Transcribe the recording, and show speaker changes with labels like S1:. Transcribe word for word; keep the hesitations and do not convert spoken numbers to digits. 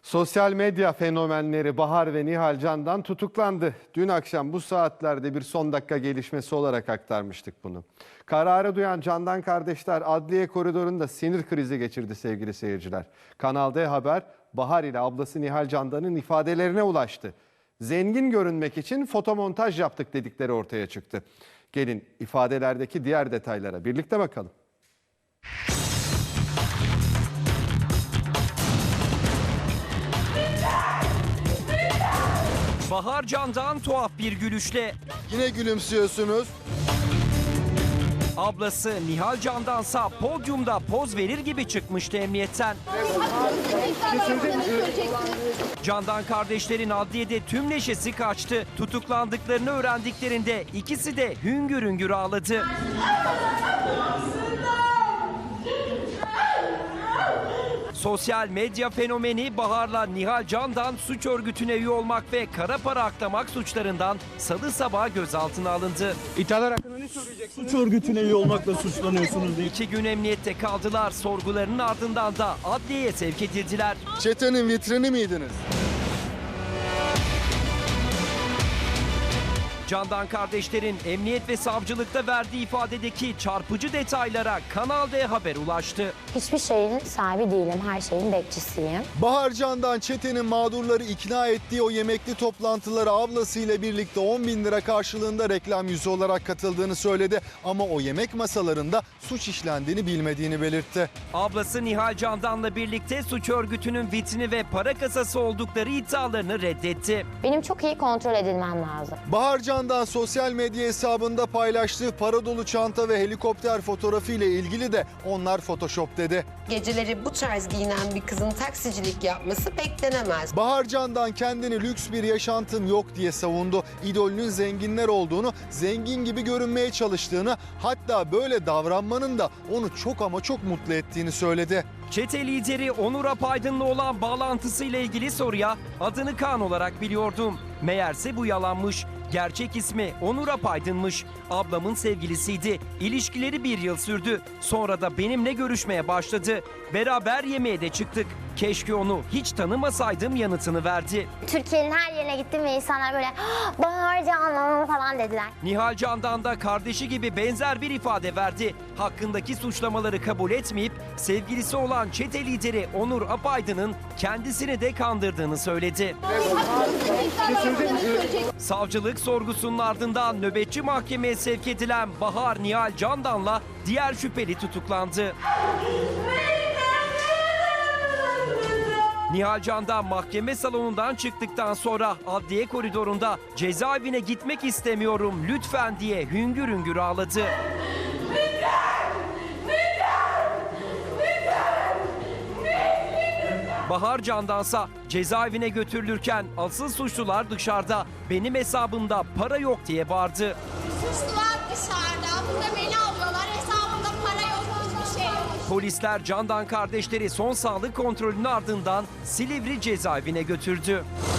S1: Sosyal medya fenomenleri Bahar ve Nihal Candan tutuklandı. Dün akşam bu saatlerde bir son dakika gelişmesi olarak aktarmıştık bunu. Kararı duyan Candan kardeşler adliye koridorunda sinir krizi geçirdi sevgili seyirciler. Kanal D Haber, Bahar ile ablası Nihal Candan'ın ifadelerine ulaştı. Zengin görünmek için fotomontaj yaptık dedikleri ortaya çıktı. Gelin ifadelerdeki diğer detaylara birlikte bakalım.
S2: Bahar Candan tuhaf bir gülüşle,
S3: Yine gülümsüyorsunuz.
S2: ablası Nihal Candansa podyumda poz verir gibi çıkmıştı emniyetten. Candan kardeşlerin adliyede tüm neşesi kaçtı. Tutuklandıklarını öğrendiklerinde ikisi de hüngür hüngür ağladı. Sosyal medya fenomeni Bahar'la Nihal Candan suç örgütüne üye olmak ve kara para aklamak suçlarından salı sabahı gözaltına alındı.
S4: İthalar hakkında ne söyleyeceksiniz? Suç örgütüne üye olmakla suçlanıyorsunuz diye.
S2: İki gün emniyette kaldılar. Sorgularının ardından da adliyeye sevk edildiler.
S3: Çetenin vitrini miydiniz?
S2: Candan kardeşlerin emniyet ve savcılıkta verdiği ifadedeki çarpıcı detaylara Kanal D Haber ulaştı.
S5: Hiçbir şeyin sahibi değilim, her şeyin bekçisiyim.
S3: Bahar Candan çetenin mağdurları ikna ettiği o yemekli toplantılara ablasıyla birlikte on bin lira karşılığında reklam yüzü olarak katıldığını söyledi. Ama o yemek masalarında suç işlendiğini bilmediğini belirtti.
S2: Ablası Nihal Candan'la birlikte suç örgütünün vitrini ve para kasası oldukları iddialarını reddetti.
S5: Benim çok iyi kontrol edilmem lazım.
S3: Bahar Candan sosyal medya hesabında paylaştığı para dolu çanta ve helikopter fotoğrafı ile ilgili de onlar Photoshop dedi.
S6: Geceleri bu tarz giyinen bir kızın taksicilik yapması beklenemez.
S3: Bahar Candan kendini lüks bir yaşantım yok diye savundu. İdolünün zenginler olduğunu, zengin gibi görünmeye çalıştığını, hatta böyle davranmanın da onu çok ama çok mutlu ettiğini söyledi.
S2: Çete lideri Onur Apaydın'la olan bağlantısıyla ilgili soruya adını Kaan olarak biliyordum. Meğerse bu yalanmış. Gerçek ismi Onur Apaydın'mış. Ablamın sevgilisiydi. İlişkileri bir yıl sürdü. Sonra da benimle görüşmeye başladı. Beraber yemeğe de çıktık. Keşke onu hiç tanımasaydım yanıtını verdi.
S5: Türkiye'nin her yerine gittim ve insanlar böyle "Ah, Bahar Candan" falan dediler.
S2: Nihal Candan da kardeşi gibi benzer bir ifade verdi. Hakkındaki suçlamaları kabul etmeyip sevgilisi olan çete lideri Onur Apaydın'ın kendisini de kandırdığını söyledi. Savcılık sorgusunun ardından nöbetçi mahkemeye sevk edilen Bahar Nihal Candan'la diğer şüpheli tutuklandı. Nihal Candan mahkeme salonundan çıktıktan sonra adliye koridorunda cezaevine gitmek istemiyorum lütfen diye hüngür hüngür ağladı. Bahar Candansa cezaevine götürülürken asıl suçlular dışarıda, benim hesabımda para yok diye bağırdı.
S7: Suçlular dışarıda. Burada beni alıyorlar. Hesabımda para yok. Hiçbir şey yok.
S2: Polisler Candan kardeşleri son sağlık kontrolünün ardından Silivri cezaevine götürdü.